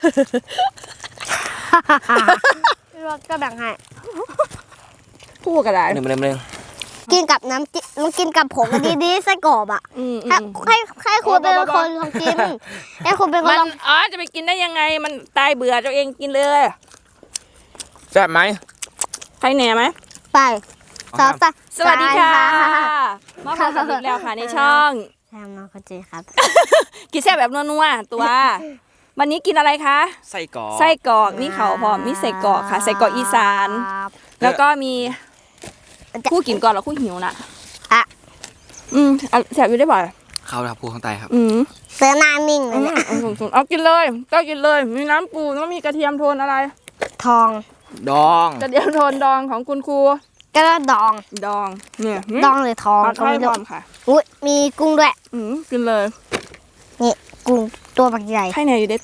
พี่รถก็แบ่งให้คู่กันได้หนึ่งกินกับน้ำจิ้มมันกินกับผงดีๆไส้กรอบอ่ะให้คุณเป็นคนลองกินให้คุณเป็นคนลองอ๋อจะไปกินได้ยังไงมันตายเบื่อตัวเองกินเลยแซ่บไหมใครแหน่ไหมไปต่อไปสวัสดีค่ะมาพบกันอีกแล้วค่ะในช่องแซมน้องเขาเจครับกินแซ่บแบบนัวๆตัว วันนี้กินอะไรคะไส้กรอกไส้กรอกนี่เขาพร้อมมีไส้กรอกค่ะไส้กรอกอีสาน แล้วก็มีคู่กินก่อนแล้วคู่หิวนะอ่ะแซ่บอยู่ได้บ่อยข้าวทับพูข้างใต้ครับเสือหน้านิ่งเลยเนี่ยเอากินเลยก็กินเลยมีน้ำปูแล้วมีกระเทียมโทนอะไรทองดองกระเทียมโทนดองของคุณครูก็ดองดองเนี่ยดองหรือทองเอาก็ให้ไม่พรู้ร้อมค่ะอุ้ยมีกุ้งด้วยกินเลยนี่กุ้งตัวบักใหญ่ให้แน่อยู่เด็ด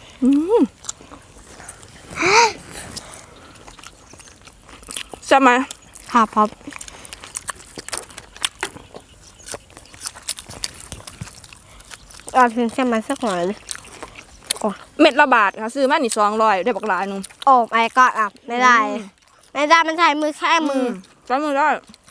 ใช่ไหมครับครับเอาถึงเส้นมันสักหน่อยเลยเม็ดละบาทค่ะซื้อมานี่200ได้บักหลายนึงโอ้ไม่ก็อ่ะไม่ได้ไม่ได้มันใช้มือแค่มือใช้มือได้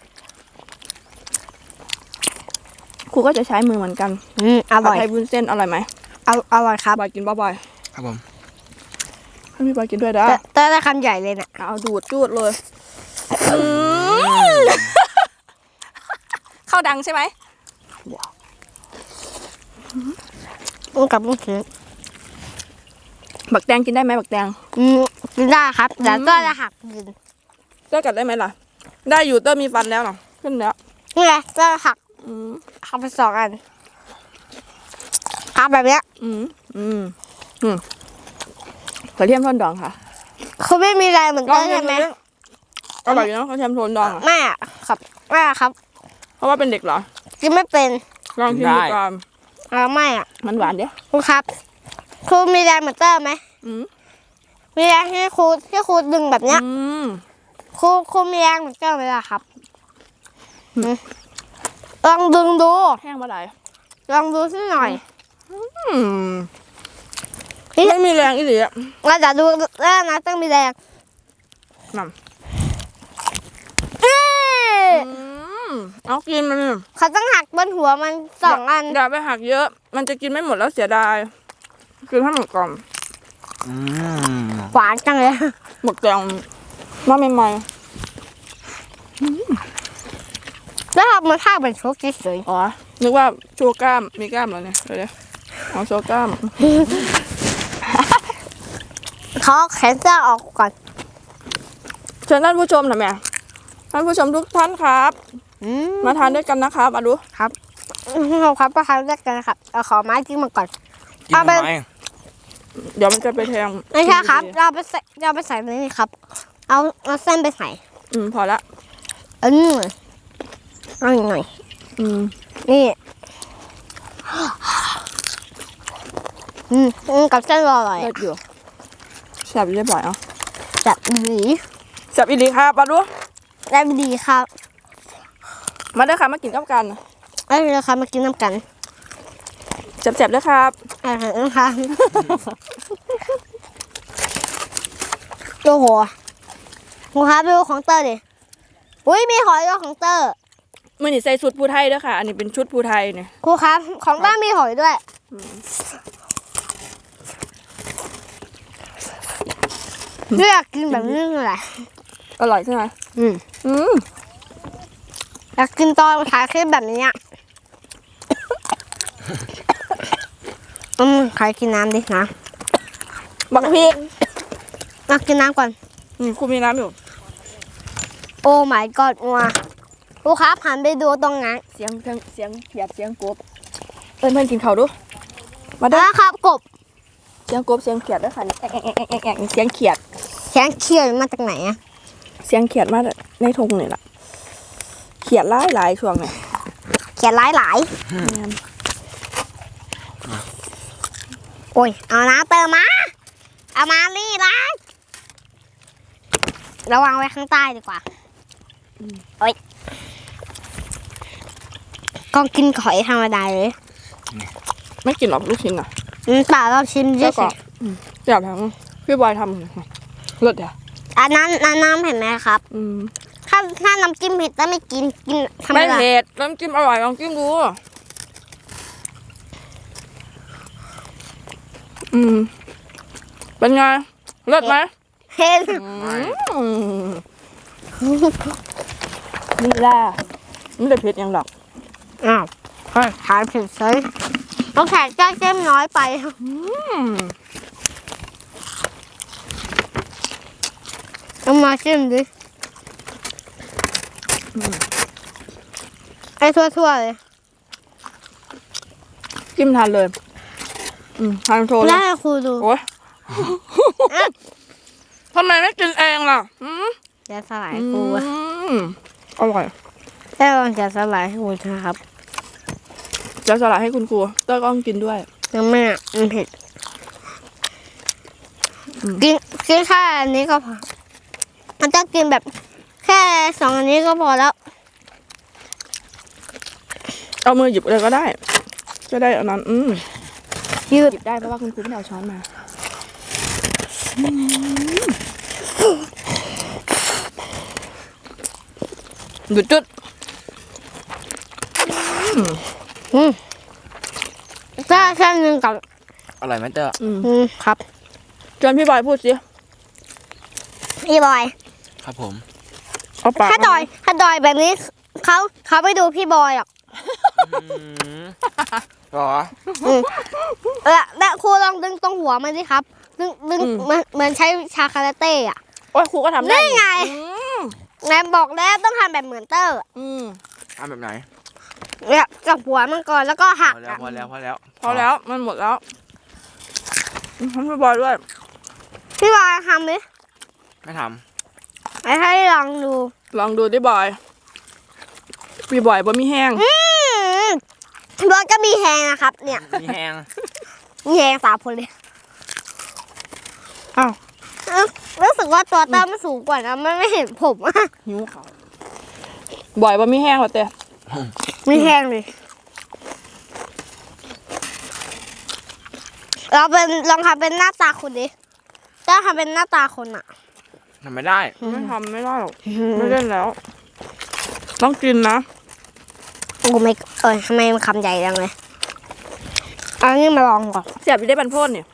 ครูก็จะใช้มือเหมือนกันอร่อยผัดไทยวุ้นเส้นอร่อยไหมอร่อยครับบอยกินบ่อยครับผมๆให้พี่บอยกินด้วยได้แต่ได้คำใหญ่เลยเนี่ยเอาดูดจูดเลยเข้าดังใช่ไหมกับลูกชิ้นบักแตงกินได้ไหมบักแตงกินได้ครับแต่ก็จะหักกินเต้กัดได้ไหมล่ะ ได้อยู่เต้มีฟันแล้วเนาะขึ้นแล้วนี่ไงก็หักไป2 อันหักแบบเนี้ยกระเทียมโทนดองค่ะคือไม่มีอะไรเหมือนกันใช่ไหมอร่อยอยู่เนาะกระเทียมโทนดองอ่ะแม่ครับแม่ครับเพราะว่าเป็นเด็กเหรอกินไม่เป็นลองชิมดูก่อนไม่อ่ะมันหวานเด้อครูครับครูมีแรงเหมือนเตอร์ไหม มีแรงให้ครูดึงแบบเนี้ยครูมีแรงเหมือนเตอร์ไหมล่ะครับลองดึงดูแห้งเมื่อไหร่ลองดูสักหน่อยไม่มีแรงอีหลีอ่ะเราจะดูแล้วนะต้องมีแรงนั่นเอ้ยเอากินมันเขาต้องหักบนหัวมัน2 อันอย่าไปหักเยอะ มันจะกินไม่หมดแล้วเสียดายกินให้หมดก่อนหวานจังเลยหมดแกงมาใหม่แล้วทำมันท่าเป็นชุบเฉยๆอ๋อนึกว่าโชว์กล้ามมีกล้ามเหรอเนี่ยเดี๋ยวเอาโชว์กล้ามๆเขาแขนเสื้อออกก่อนเชิญท่านผู้ชมหน่อยแม่ท่านผู้ชมทุกท่านครับมาทานด้วยกันนะครับมาดูครับประทานด้วยกันครับเอาขอไม้จิ้มมาก่อนกินทำไมเดี๋ยวมันจะไปแทงไม่ใช่ครับเราไปใส่ในนี่ครับ เอาเส้นไปใส่พอละเอาอีกหน่อยนี่กับเส้นอร่อยเลิศอยู่แซ่บอยู่ได้บ่อยอ่ะแบบดีแซ่บอีหลีครับมาดูได้ดีครับมาเด้อค่ะมากินกับกันได้เลยครับมากินน้ำกันแซ่บๆเด้อครับนะคะโอ้โหครูครับดูของเตอร์ดิอุ้ยมีหอยด้วยของเตอร์มื่อนี้ใส่ชุดภูไทยเด้อค่ะ อันนี้เป็นชุดภูไทยเนี่ยครูครับของเตอร์มีหอยด้วยเลือกกินแบบนี้แหละอร่อยใช่ไหมอยากกินตอนถ่ายคลิปแบบนี้ใครกินน้ำดินะบักพีกมากินน้ำก่อนคุณมีน้ำอยู่โอ้ my god งัวครูครับหันไปดูตรงนั้นเสียงเขียดเสียงกบเพื่อนกินข้าวดูมาเด้อครับกบเสียงกบเสียงเขียดด้วยค่ะนี่แอกเสียงเขียดแข็งเขียวมาจากไหนอะเสียงเขียดมาในทงนี่แหละเขียดหลายช่วงเนี่ยเขียนหลายโอ้ยเอาน้ำเติมมาเอามานี่ละระวังไว้ข้างใต้ดีกว่าโอ้ยก็กินหอยธรรมดาเลยไม่กินหรอกลูกชิ้นอ่ะป่าเราชิมเยแล้อะวก็สิอยากทำพี่บอยทำรสเดี๋ยวอันนั้นเห็นไหมครับ ถ้าน้ำจิ้มเผ็ดแล้วไม่กินทำไมไม่ล่ะเผ็ดน้ำจิ้มอร่อยลองจิ้มดูเป็นไงเลิศไหมเผ็ดนี่แหละไม่ได้เผ็ดยังหรอกอ้าวทานเผ็ดเลยต้องแขกแก้เจ้มน้อยไปเอามาจิ้มดิไอ้ทั่วๆเลยจิ้มทานเลยทานโชว์เลแล้วยให้ครูดูโอ๊ยทำไมไม่กินเองล่ะจะสลายครูอะอร่อยได้ลองจะสลายให้ครูนะครับจะสลัดให้คุณครูเต้ยก็ต้องกินด้วยยังไม่อะมันเผ็ดกินแค่อันนี้ก็พอมันจะกินแบบแค่2 อันนี้ก็พอแล้วเอามือหยิบเลยก็ได้จะได้อันนั้นยืดหยิบได้เพราะว่าคุณครูไม่ได้เอาช้อนมาหยุดจุดแค่นึงกับอร่อยไหมเตอร์ครับจนพี่บอยพูดสิพี่บอยครับผมเอาปากถ้าดอยแบบนี้เขาไม่ดูพี่บอยหรอกหรอและครูลองดึงตรงหัวมันสิครับ ดึงเหมือนใช้ชาคาราเต้อะโอ้ยครูก็ทำได้นี่ไงแม่บอกแล้วต้องทำแบบเหมือนเตอร์ทำแบบไหนเนี่ยจับหัวมันก่อนแล้วก็หักพอแล้วพอแล้วพอแล้วมันหมดแล้วทำพี่บอยด้วยพี่บอยทำดิไม่ทให้ลองดูลองดูดิบอยพี่บอยบะมีแห้งพี่บอยก็มีแฮงนะครับ เนี่ยำมีแห้งมีแฮง3 คนเลยอ้าวรู้สึกว่าตัวเตอร์มันสูงกว่านะมันไม่เห็นผมอะหิวเขาบอยบะมีแห้งเหรอเต้มีแฮงเลยลองทำเป็นหน้าตาคนดิถ้าทำเป็นหน้าตาคนอะทำไม่ได้ไม่ทำไม่ได้หรอกไม่เล่นแล้ว ต้องกินนะโอ้ไม่ทำไมมันคำใหญ่จังเลยเอานี่มาลองก่อนเสียบอยู่ได้บรรพตเนี่ย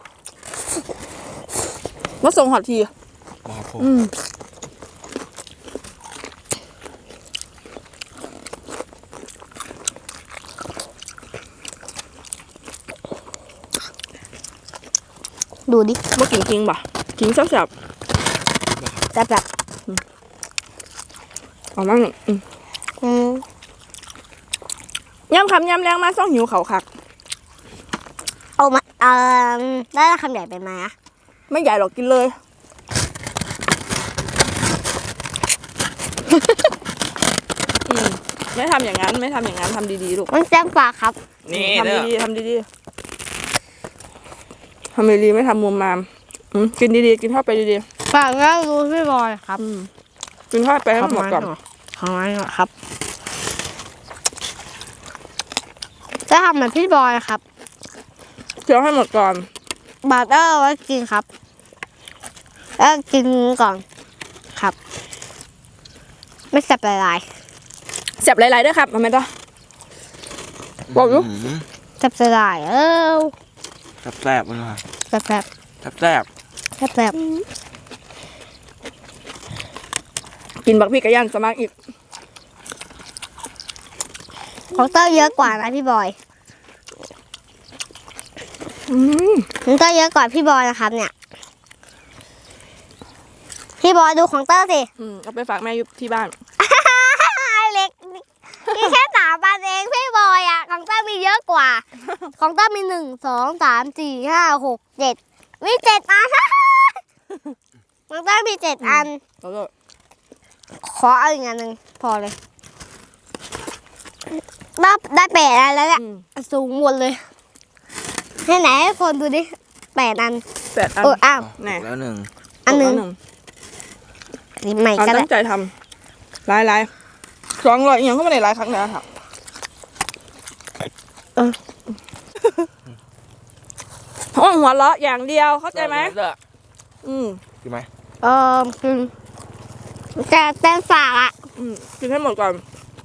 มาส่งหอดทีครับผมดูดิมากินจริงป่ะกินแซ่บแบบๆเอามั่งย่ำคำย่ำแรงมาซ่องหิวเขาคักเอามาได้คำใหญ่ไปไหมอะไม่ใหญ่หรอกกินเลย ไม่ทำอย่างนั้นไม่ทำอย่างนั้นทำดีๆลูกมันแจ้งปากครับนี่ทำเตอร์ดีๆทำดีๆทำดีๆไม่ทำมุมมามกินดีๆกินเข้าไปดีปากแล้วรู้พี่บอยครับๆกินเข้าไปให้หมดก่อนทำไมครับจะทำเหมือนพี่บอยครับเคี้ยวให้หมดก่อนบาร์เตอร์ไว้กินครับแล้วกินก่อนครับ ไม่แสบละลายเสียบหลายๆด้วยครับทำไมต่อบอกอยู่แสบละลายแซ่บเลยค่ะแสบแซ่บแสบกินบักพี่กระยันสมัครอีกของเตอร์เยอะกว่านะพี่บอยของเตอร์เยอะกว่าพี่บอยนะครับเนี่ยพี่บอยดูของเตอร์สิเอาไปฝากแม่อยู่ที่บ้านเล็กนี่แค่3 อันเองพี่บอยอ่ะของเต้ามีเยอะกว่า ของเต้ามี1 2 3 4 5 6 7มี7 อัน ของเต้ามี7 อันแล้วก็ขอเอาอีกอันหนึ่งพอเลยได้8 อันแล้วเนี่ยสูงหมดเลยให้ไหนให้คนดูดิ8 อัน 8 อันอ้าวแน่แล้วหนึ่งอันหนึ่งแล้วนี่ใหม่เอาก็ได้ตั้งใจทำหลายๆ200อย่างก็ไม่ได้หลายครั้งแล้วค่ะห้องหัวเราะอย่างเดียวเข้าใจไหมเตอร์อืมกินไหมคือแต่แต้มฝากอ่ะกินให้หมดก่อน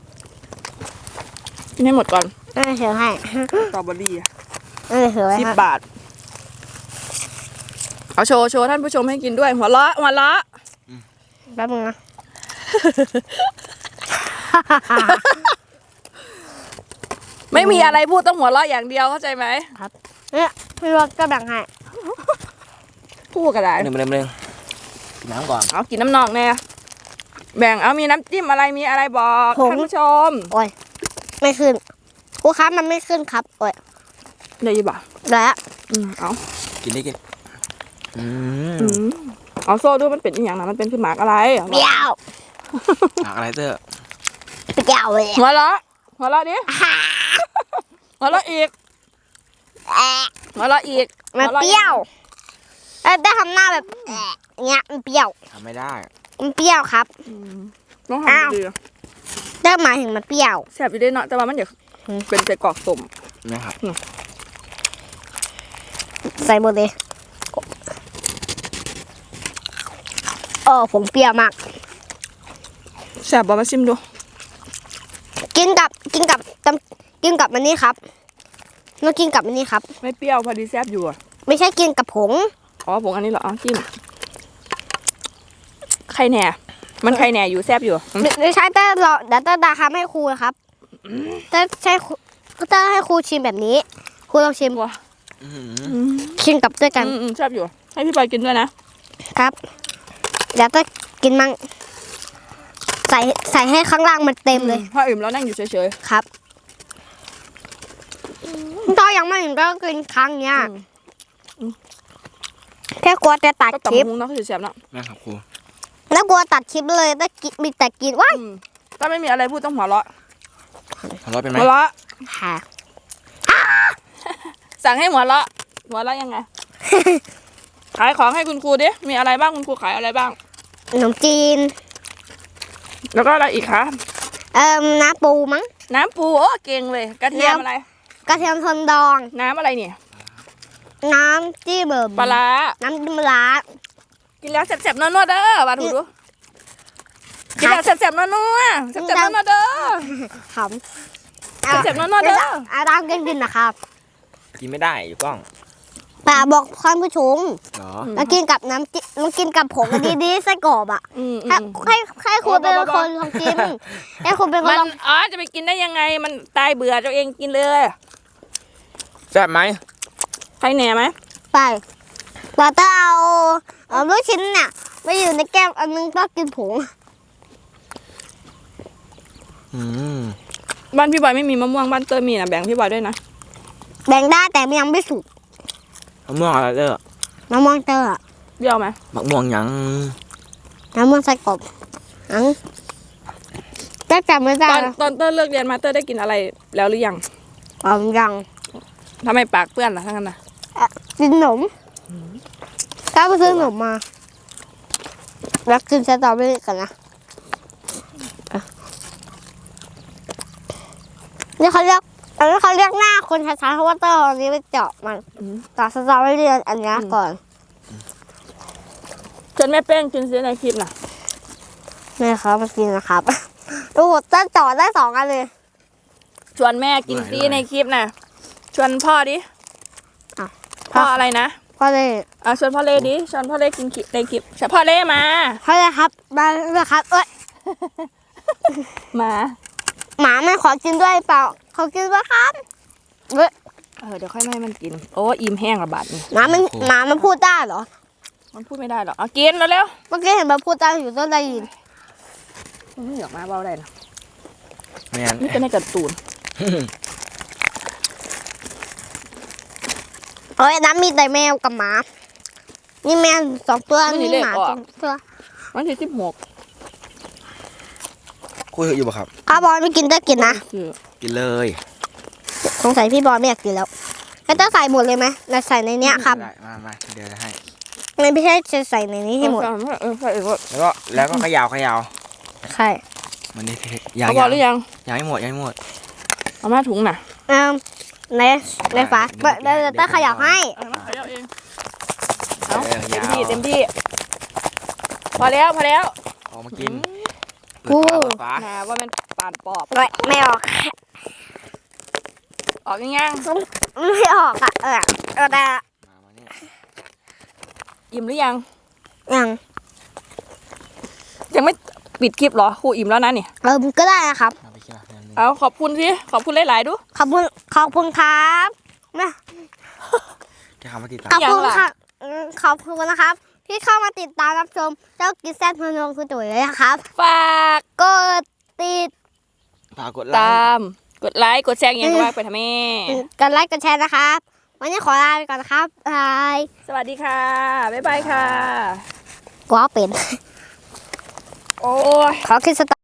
กินให้หมดก่อนเถือให้สตรอเบอรี่อะถือไว้ 10 บาทเอาโชว์ท่านผู้ชมให้กินด้วยหัวเราะแป๊บนึงนะไม่มีอะไรพูดต้องหัวเราะอย่างเดียวเข้าใจไหมเนี่ยพี่รถก็แบ่งให้พูดก็ได้หนึ่งกินน้ำก่อนเอากินน้ำนองแน่แบ่งเอามีน้ำจิ้มอะไรมีอะไรบอกท่านผู้ชมโอ้ยไม่ขึ้นครูครับมันไม่ขึ้นครับโอ้ยเดี๋ยวยี่บ่าแล้วเอากินได้กินเอาโซ่ดูมันเป็นอหย่างนะมันเป็นคือหมากอะไรเปรี้ยวหนักอะไรเตอร์เปรี้ยวเลยหัวเราะดิหัวเราะอีกหัวเราะอีกมันเปรี้ยวได้ทำหน้าแบบเงี้ยมันเปรี้ยวทำไม่ได้มันเปรี้ยวครับต้องทำดีได้หมายถึงมันเปรี้ยวแซ่บอยู่ด้วยเนาะแต่ว่ามันอยากเป็นใส่กรอกสมนะครับใส่หมดเลยผมเปรี้ยวมากแซ่บบ่มาชิมดูกินกับมันนี่ครับเรากินกับมันนี่ครับไม่เปรี้ยวพอดีแซ่บอยู่อ่ะไม่ใช่กินกับผงอ๋อผงอันนี้เหรอจิ้มไข่แหน่มันไข่แหน่อยู่แซ่บอยู่ไม่ใช่แต่เราเดี๋ยวดาทำให้ครูนะครับแต่ใช่ก็จะให้ครูชิมแบบนี้ครูลองชิมว้าชิมกับด้วยกันแซ่บอยู่ให้พี่ปอยกินด้วยนะครับเดี๋ยวจะกินมั่งใส่ให้ข้างล่างมันเต็มเลยพออิ่มแล้วนั่งอยู่เฉยครับตอนยังไม่ถึงก็กินครั้งเนี้ยแค่กลัวจะตัดๆก็คตับลิปมุ้งเนาะคือแซ่บเนาะนะครับครูแล้วกลัวตัดคลิปเลยแต่มีแต่กินว้ายถ้าไม่มีอะไรพูดต้องหัวเราะหัวเราะเป็นไหมหัวเราะค่ะสั่งให้หัวเราะยังไง ขายของให้คุณครูดิมีอะไรบ้างคุณครูขายอะไรบ้างขนมจีนแล้วก็อะไรอีกคะน้ำปูมั้งน้ำปูโอ้เก่งเลยกระเทียมอะไรกระเทียมทนดองน้ำอะไรเนี่ยน้ำจิ้มเบิ่มปลาร้าน้ำจิ้มปลาร้ากินแล้วแซ่บๆนัวๆเด้อมาถูดูกินแล้วแซ่บๆนัวๆแซ่บๆนัวๆเด้อขำเจ็บๆนัวๆเด้ออาดามกินนะครับกินไม่ได้อยู่กล้องป่าบอกท่านผู้ชมเหรอแล้วกินกับน้ำจิ้มแล้วกินกับผงดีๆไส้กรอบอ่ะให้คุณเป็นคนลองกินให้คุณเป็นคนมันลองอ๋อจะไปกินได้ยังไงมันตายเบื่อตัวเองกินเลยแซ่บไหมใครแหน่ไหมไปเราต้องเอาลูกชิ้นเนี่ยไปอยู่ในแก้วอันนึงก็กินผงบ้านพี่บอยไม่มีมะม่วงบ้านเตอร์มีนะแบ่งพี่บอยด้วยนะแบ่งได้แต่ยังไม่สุกมะม่วงอะไรเตอร์น้ำมันเตอร์เบี้ยวไหมมะม่วงหยังน้ำมันไส้กรอบแต่จำไม่ได้ตอนเตอร์เลิกเรียนมาเตอร์ได้กินอะไรแล้วหรือยังยังทำไมปากเปื้อนล่ะทั้งนั้นนะกินขนมก้าวไปซื้อขนมมาแล้วกินสตรอเบอรี่กันนะนี่เขาเรียกหน้าคนช้าๆเพราะว่าเตอร์อันนี้ไปเจาะมันต่อสตรอเบอรี่อันนี้ก่อนจนแม่เป้งกินเสียในคลิปน่ะนี่ครับมากินนะครับดูเตอร์เจาะได้2 อันเลยชวนแม่กินซีในคลิปน่ะชวนพ่อดิพ่ออะไรนะพ่อเลยชวนพ่อเล่ดิชวนพ่อเล่กินในคลิปพ่อเล่มาพ่อเลยครับมาเลยครับมาหมาไม่ขอกินด้วยเปล่าขอกินด้วยครับเดี๋ยวค่อยให้มันกินโอ้อิ่มแห้งระบาดนี่หมามันพูดได้เหรอมันพูดไม่ได้หรอกเอากินแล้วเร็วเมื่อกี้เห็นมันพูดได้อยู่ต้นได้ยินมันไม่อยากมาเบาได้นะไม่งั้นนี่จะในการ์ตูนโอ้ยน้ำมีแต่แมวกับหมานี่แมว2 ตัวนี่หมา2 ตัววันที่16 คุยอยู่ป่ะครับถ้าบอลไม่กินได้กินนะกินเลยสงสัยพี่บอลไม่อยากกินแล้วแล้วต้องใส่หมดเลยไหมเราใส่ในเนี้ยครับได้มาเดี๋ยวจะให้ไม่ใช่จะใส่ในนี้ให้หมดใส่อีกว่าแล้วก็เขย่าใช่มันนี่เอาบอลหรือยังยังไม่หมดเอามาถุงน่ะในฝาเดี๋ยวต้องขยับให้เอามาขยับเองเต็มยาวที่เต็มที่พอแล้วพอแล้วออกมากินกูเปิดฝานะว่ามันปานปอบไม่ออกออกง่ายไม่ออกอ่ะแต่มาเนี่ยๆอิ่มหรือยังยังยังไม่ปิดคลิปเหรอครูอิ่มแล้วนะนี่ก็ได้นะครับเอาไปกินละเดี๋ยวนึงเอาขอบคุณสิขอบคุณหลายๆดูขอบคุณครับนะแค่คำว่าติดตามขอบคุณยังล่ะค่ะขอบคุณนะครับ ที่เข้ามาติดตามรับชมเจ้ากิซแซดพนงคือตุ๋ยเลยนะครับฝากกดติดฝากกดไลตาค์มกดไลค์กดแชร์อย่างก็ว่าไปทำแม่กดไลค์กดแชร์นะครับ วันนี้ขอลาไปก่อนนะครับบายสวัสดีค่ะบ๊ายบายค่ะกว่าเป็นโอ้ยขอคิดสต